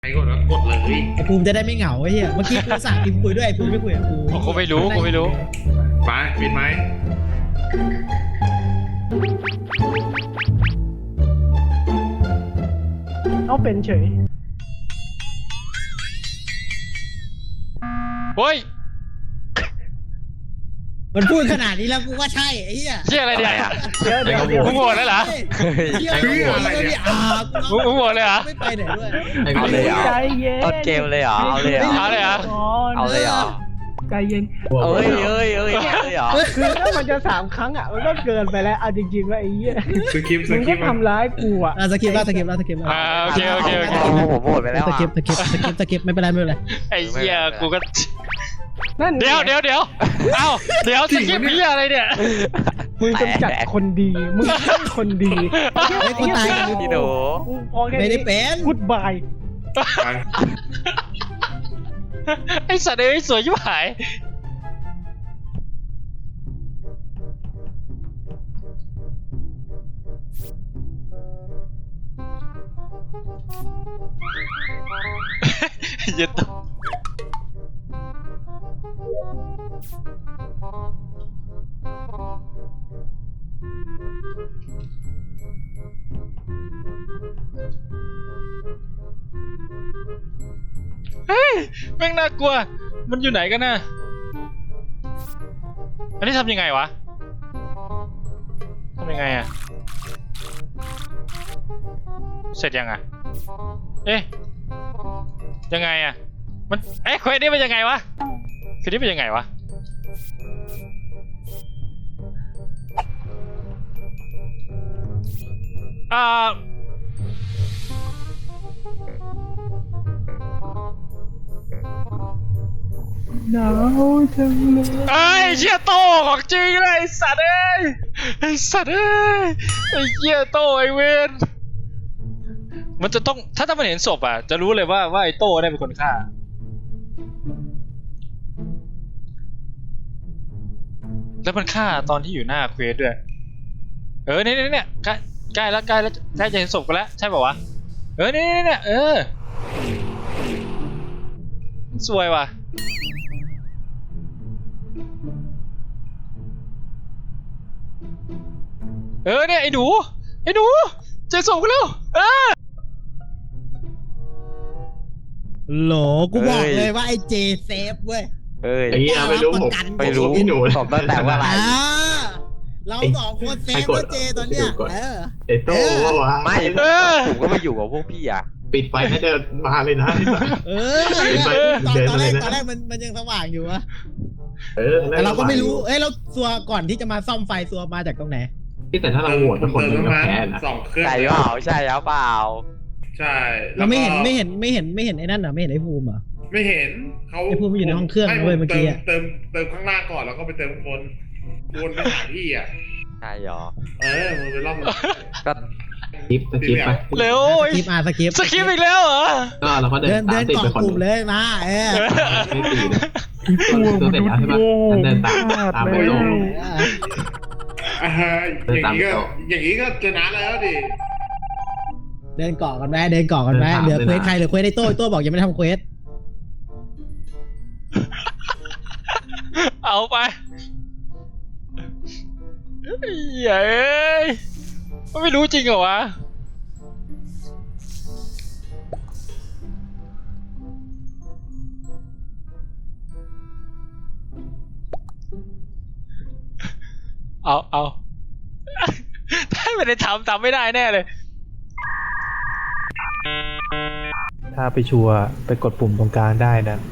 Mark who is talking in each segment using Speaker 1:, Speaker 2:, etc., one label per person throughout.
Speaker 1: ใครกดแล้วกดเลย
Speaker 2: ไอ้ภูมิจะได้ไม่เหงาไอ้เหี้ยเมื่อกี้กูสั่งพิมพ์คุยด้วยไอ้ภูมิไม่คุยกับกู
Speaker 3: กูไม่รู้
Speaker 1: ไปปิดไหม
Speaker 4: เอาเป็นเฉย
Speaker 3: เฮ้ย
Speaker 2: มันพูดขนาดนี้แล้วกูว่าใช่ไอ้เหี้ย
Speaker 3: เชี่ยอะไรเนี่ย
Speaker 4: เดี๋ยว
Speaker 3: มึงโหวตแล้วเหรอ
Speaker 2: เหี้ยอะไรเนี่ยกู
Speaker 3: มึงโหวตเลยเหรอ
Speaker 2: ไม่ไปไหนด้วย
Speaker 5: เอาเลยเหรอ
Speaker 4: ใจเย็น
Speaker 5: ต้นเกมเลยเหรอ เอาเลยเหรอ
Speaker 3: เอาเลยเหรอ
Speaker 5: เอาเลยเหรอ
Speaker 4: ใจเย็น
Speaker 5: เอ้ยเหรอ
Speaker 4: คือถ้ามันจะ3 ครั้งอ่ะมันก็เกินไปแล้วเอาจริงๆว่าไอ้เหี้ย
Speaker 1: สคริปต์
Speaker 4: มึงก็ทำร้ายกูอ่ะ
Speaker 2: สกิปแล้ว
Speaker 3: โอเค
Speaker 5: ผมโหวตไปแล้ว
Speaker 2: ส
Speaker 5: อ่ะ
Speaker 2: กิปไม่เป็นไร
Speaker 3: ไอ้เหี้ยกูก็
Speaker 4: นั่นไง
Speaker 3: เดี๋ยวเอ้าเดี๋ยวสกิปพี่อะไรเนี่ย
Speaker 4: มึงกำจัดคนดีมึงเป็นคนดี
Speaker 2: ไม่คนตาย
Speaker 5: พี่หนู
Speaker 4: มึงพอแค่
Speaker 2: ไม่ได้
Speaker 4: นี้
Speaker 2: เป็น
Speaker 4: พูดบาย
Speaker 3: ไอ้สัตว์เอ้ยสวยชิบหายเย็นตัวเฮ้ยแม่งน่ากลัวมันอยู่ไหนกันน่ะอันนี้ทำยังไงวะทำยังไงอะเสร็จยังอะเอ๊ะยังไงอะมันเควสนี้เป็นยังไงวะเควสนี้เป็นยังไงวะ
Speaker 4: หนาวจังเลย
Speaker 3: ไอ้เชี่ยโตของจริงเลยไอ้สัตว์เอ้ยไอ้สัตว์เอ้ยไอ้เชี่ยโตไอ้เวนมันจะต้องถ้ามันเห็นศพอ่ะจะรู้เลยว่าไอ้โต้ได้เป็นคนฆ่าแล้วมันฆ่าตอนที่อยู่หน้าเควสด้วยเนี่ยใกล้แล้วใกล้จะเห็นศพกันแล้วใช่ป่าวะเนี่ยสวยว่ะเนี่ยไอ้หนูเจอศพกันแล้ว
Speaker 2: โหลกูบอกเลยว่าไอ้เจเซฟเว้ย
Speaker 5: เอ้ย
Speaker 1: ไอ้เหี้ยไม่รู้ผม
Speaker 5: ไม่รู้
Speaker 1: พี่หนู
Speaker 5: ผมตั้งแต่ว่าอะไร
Speaker 2: เรา2 คนเซฟว่าเจตอนเนี้ย
Speaker 1: ไอ้โต้วะ
Speaker 5: ไม่ผมก็มาอยู่กับพวกพี่อ่ะ
Speaker 1: ปิดไฟให้เดินมาเลยนะ
Speaker 2: ตอนแรกมันยังสว่างอยู่วะ แต่เราก็ไม่รู้เราซัวก่อนที่จะมาซ่อมไฟซัวมาจากตรงไหน
Speaker 1: แต่ถ้าเราโหวตทุกคนมันก็แพ้นะ
Speaker 6: 2 เครื่อง
Speaker 5: ใช่เปล่าใช่แล้วเปล่า
Speaker 6: ใช่
Speaker 2: เราไม่เห็นไอ้นั่นเหรอไม่เห็นไอ้ภูมิเหรอ
Speaker 6: ไม่เห็นเขา
Speaker 2: ไอ้พวกมันอยู่ในห้องเครื่องนะเว้ยเมื่อกี้อะ
Speaker 6: เติมข้างล่างก่อนแล้วก็ไปเติมข้างบนวนไปหาพี่อ่ะ
Speaker 5: ใช่เหรอ
Speaker 6: มึงไปรอบ
Speaker 5: ก็
Speaker 1: สคริปต์ไป
Speaker 3: เร็ว
Speaker 2: สกิปสกิป
Speaker 3: สกิปอีกแล้วเหรอ
Speaker 1: ก็เราก็เดิ
Speaker 2: เดิ
Speaker 1: น
Speaker 2: น
Speaker 1: ตามติด
Speaker 2: เกาะ
Speaker 1: ไปคน
Speaker 2: กลุ่มเลยมา
Speaker 1: ไม่ตีนะตัวเสร็จแล้วใช่ปะเดินตามไปลง
Speaker 6: อย่างนี้ก็ชนะแล้วดิ
Speaker 2: เดินเกาะกันไหมเหลือเควสใครเหลือเควสไอ้โต้บอกยังไม่ทำเควส
Speaker 3: เอาไปเย้ยมันไม่รู้จริงเหรอวะเอา ถ้าไม่ได้ทำไม่ได้แน่เลย
Speaker 7: ถ้าไปชัวร์ไปกดปุ่มตรงกลางได้นะ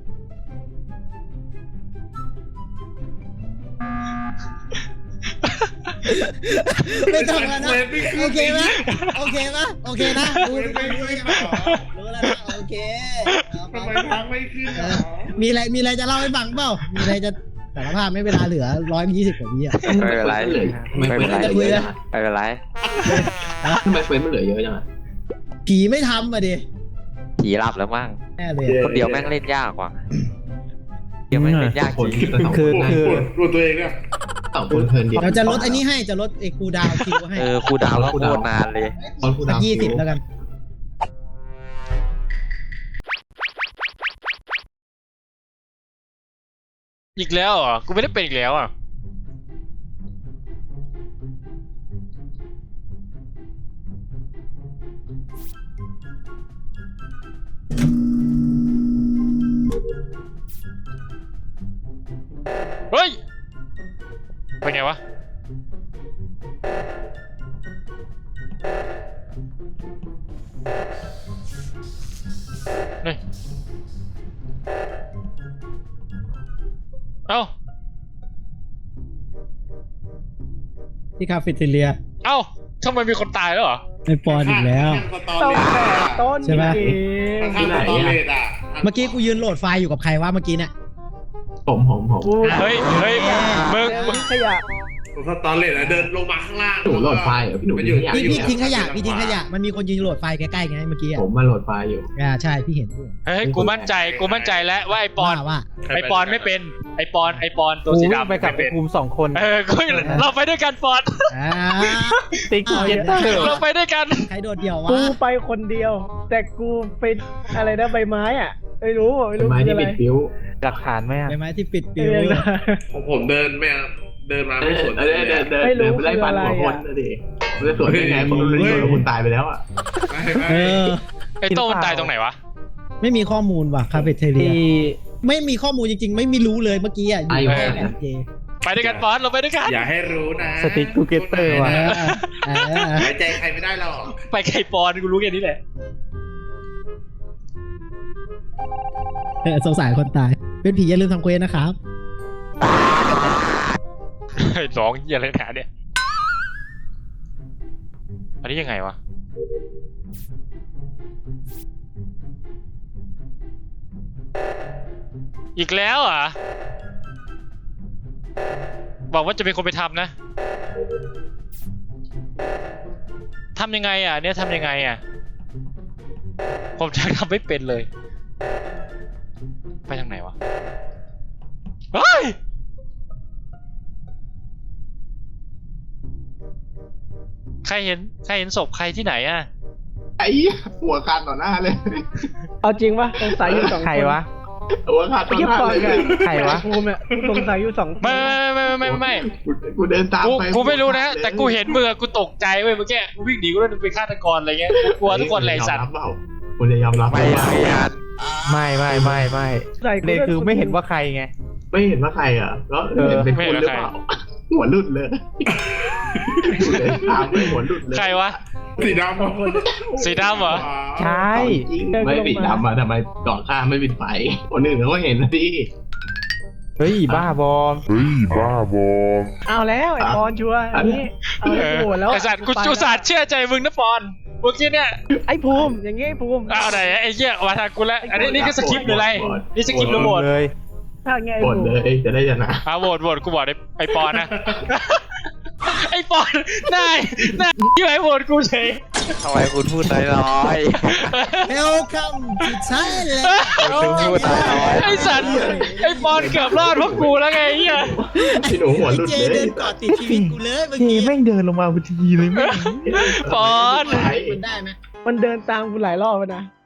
Speaker 2: ไม่ต้องแล้วนะโอเคนะรู้แล้วนะโอเค
Speaker 6: ทำไมทางไม่ขึ้นหรอ
Speaker 2: มีอะไรจะเล่าให้ฟังเปล่ามีอะไรจะสารภาพไม่เวลาเหลือ120 กว่าวิอ่ะ
Speaker 5: ไม่เป็นไรไม่เป็นไรไม่เป็นไร
Speaker 1: ทำไมเฟรมมันเหลือเยอะจังอ่ะ
Speaker 2: ผีไม่ทำมาดิ
Speaker 5: ผีหลับแล้วมั้ง
Speaker 2: แน่เลย
Speaker 5: คนเดียวแม่งเล่นยากกว่าเดียวแม่งเล่นยาก
Speaker 1: คน
Speaker 5: จริง
Speaker 1: แต่สอง
Speaker 7: คือ
Speaker 6: ดูตัวเองเนี่ย
Speaker 1: 2 คนเพลินดี
Speaker 2: เราจะลดอันนี้ให้จะลดไอ้คูดาวคิวให้
Speaker 5: ครูดาวแล้วโคตรนานเลย
Speaker 1: ตอนคูดาว
Speaker 2: 20แล้วกัน
Speaker 3: อีกแล้วเหรอกูไม่ได้เป็นอีกแล้วอ่ะเฮ้ยเป็นไงวะนี่เอ้า
Speaker 2: ที่คาเฟ่เทเลีย
Speaker 3: เอ้าทำไมมีคนตายแล้วเหรอ
Speaker 2: ไอปอนอีกแล้ว
Speaker 4: ต้องแต่ต้น
Speaker 2: ใช่ไหม
Speaker 4: จริง
Speaker 6: ที่ไหนอ่ะ
Speaker 2: เมื่อกี้กูยืนโหลดไฟล์อยู่กับใครวะเมื่อกี้เนี่ย
Speaker 7: ผม
Speaker 4: กู
Speaker 3: เฮ้ยมึง
Speaker 4: เจอขยะ
Speaker 6: สตอเลตเดินลงมาข้างล่าง
Speaker 7: หนูโหลดไฟล์เหรอพี่หนู
Speaker 6: ไปอยู่
Speaker 2: พี่ทิ้งขยะพี่ทิ้งขยะมันมีคนยืนโหลดไฟล์ใกล้ๆไงเมื่อกี้อ่ะ
Speaker 7: ผมมาโหลดไฟล์อยู่
Speaker 2: ใช่พี่เห็น
Speaker 3: เฮ้ยกูมั่นใจแล้วว่าไอปอน
Speaker 2: ว่า
Speaker 3: ไอปอนไม่เป็นไอปอนตัวสีดำ
Speaker 7: ไปกับ
Speaker 3: ไม่เป็น
Speaker 7: ภูมิ2 คน
Speaker 3: กูเราไปด้วยกันปอน
Speaker 2: อ่า
Speaker 7: ติ๊กเก็ตเตอร์
Speaker 3: เราไปด้วยกัน
Speaker 2: ใครโดดเดี่ยววะ
Speaker 4: กูไปคนเดียว แต่กูเป็นอะไรนะใบไม้อ่ะไม่รู้
Speaker 7: เป็นไม้
Speaker 4: คือ
Speaker 7: ที่
Speaker 4: อะไร
Speaker 7: ปิดฟิวหลักฐานไหมอ่ะ
Speaker 2: ใบไม้ที่ปิด
Speaker 4: เอ
Speaker 2: ปิว
Speaker 4: อ
Speaker 6: ของผมเดินมาไม่สวน
Speaker 4: ไม่รู้
Speaker 7: ไปไล่ฟันหัวคนนะดิไม่ได้สวนได้ไงคนรู้ว่าคุณตายไปแล้วอ่ะ
Speaker 2: เออ
Speaker 3: ไอโต้มันตายตรงไหนวะ
Speaker 2: ไม่มีข้อมูลว่ะคาเฟ่เทเลีย
Speaker 7: ที่
Speaker 2: ไม่มีข้อมูลจริงๆ ไม่รู้เลยเมื่อกี้อ่ะอยู่แค่แบบเจ
Speaker 3: ไปด้วยกันปอนเราไปด้วยกัน
Speaker 6: อย่าให้รู้นะ
Speaker 7: สติ๊กทูเกเตอร์ว่ะ
Speaker 6: ไว้ใจใครไม่ได้หรอก
Speaker 3: ไปไก่ปอนกูรู้แค่นี้แหละ
Speaker 2: สงสารคนตาย เป็นผีอย่าลืมทำเควสนะครับ
Speaker 3: ไอ้ร้องเหี้ยอะไรหนาเนี่ยอันนี้ยังไงวะอีกแล้วเหรอ่ะบอกว่าจะเป็นคนไปทำนะทำยังไงอ่ะเนี่ยทำยังไงอ่ะผมจะทำไม่เป็นเลยไปทางไหนวะเฮ้ยใครเห็นศพใครที่ไหนอ่ะ
Speaker 7: ไอ้หัวขาดต่อหน้าเลย
Speaker 4: เอาจริงปะสงสัยอยู่2 คน
Speaker 7: ใครวะหัวขาดต่อ
Speaker 4: พี่
Speaker 7: หน้า
Speaker 4: ปอน
Speaker 7: เลย
Speaker 4: กับ
Speaker 7: ใครวะ
Speaker 4: ภูมิเนี่ยกูสงสัยอยู่2 คน
Speaker 3: ไม่
Speaker 7: กูเดินตามไป
Speaker 3: กูไม่รู้นะแต่กูเห็นมือกูตกใจเว้ยเมื่อกี้กูวิ่งหนีกูเลยเป็นฆาตกรอะไรเงี้ยกูกลัวทุกคนเลยสัตว์
Speaker 7: คุณจะยอมรับไม่
Speaker 4: ใส่กู
Speaker 7: เลยคือไม่เห็นว่าใครไงไม่เห็นว่าใครอ่ะก็เห็นเป็นคุณหรือเปล่าหัวหลุดเลยอยู่เลยตามไปหัวหลุดเลย
Speaker 3: ใครวะ
Speaker 6: สีดำ
Speaker 3: สีดำเหรอ
Speaker 7: ใช่ไม่ปิดดำอ่ะทำไมก่อข้ามไม่ปิดไฟคนอื่นเขาก็เห็นนะดิเฮ้ยบ้าบอม
Speaker 4: เอาแล้วไอ้ปอนชัวร์อันนี้เอาแล้วโหแล้ว
Speaker 3: ไอสัตว์กูจูสัตว์เชื่อใจมึงนะปอนเมื่อกี้เนี่ย
Speaker 4: ไอ้ภูมิอย่างงี้ไอ้ภูมิ
Speaker 3: เอาไหนไอ้เหี้ยมาทางกูแล้วอันนี้นี่คือสคริปต์หรืออะไรนี่สคริปต์หรือโหวต
Speaker 7: เลย
Speaker 4: ถ้าไงไอ้
Speaker 7: กด
Speaker 4: ภู
Speaker 7: เล
Speaker 4: มิ
Speaker 7: ยจะได้ชนะ
Speaker 3: โหวตกูบอกไอ้ปอนนะไอ้ปอนนายที่ไหนโหวตกูเฉย
Speaker 5: ทำไมคุณพูดน้อย
Speaker 2: Welcome to Thailand
Speaker 3: ไอ้สัตว์ไอ้ปอนเกือบรอดเพราะกูแล้วไงเหี้ย
Speaker 7: พี่หนูหัวหลุด
Speaker 2: เจ
Speaker 7: เลย
Speaker 2: เดินเกาะติดชีวิตกูเลยเมื่อ
Speaker 7: เจ
Speaker 2: กี้
Speaker 7: แม่งเดินลงมาพอดีเลยแม่ง
Speaker 3: ปอน
Speaker 2: มันได้ไหม
Speaker 4: มันเดินตามกูหลายรอบแล้วนะ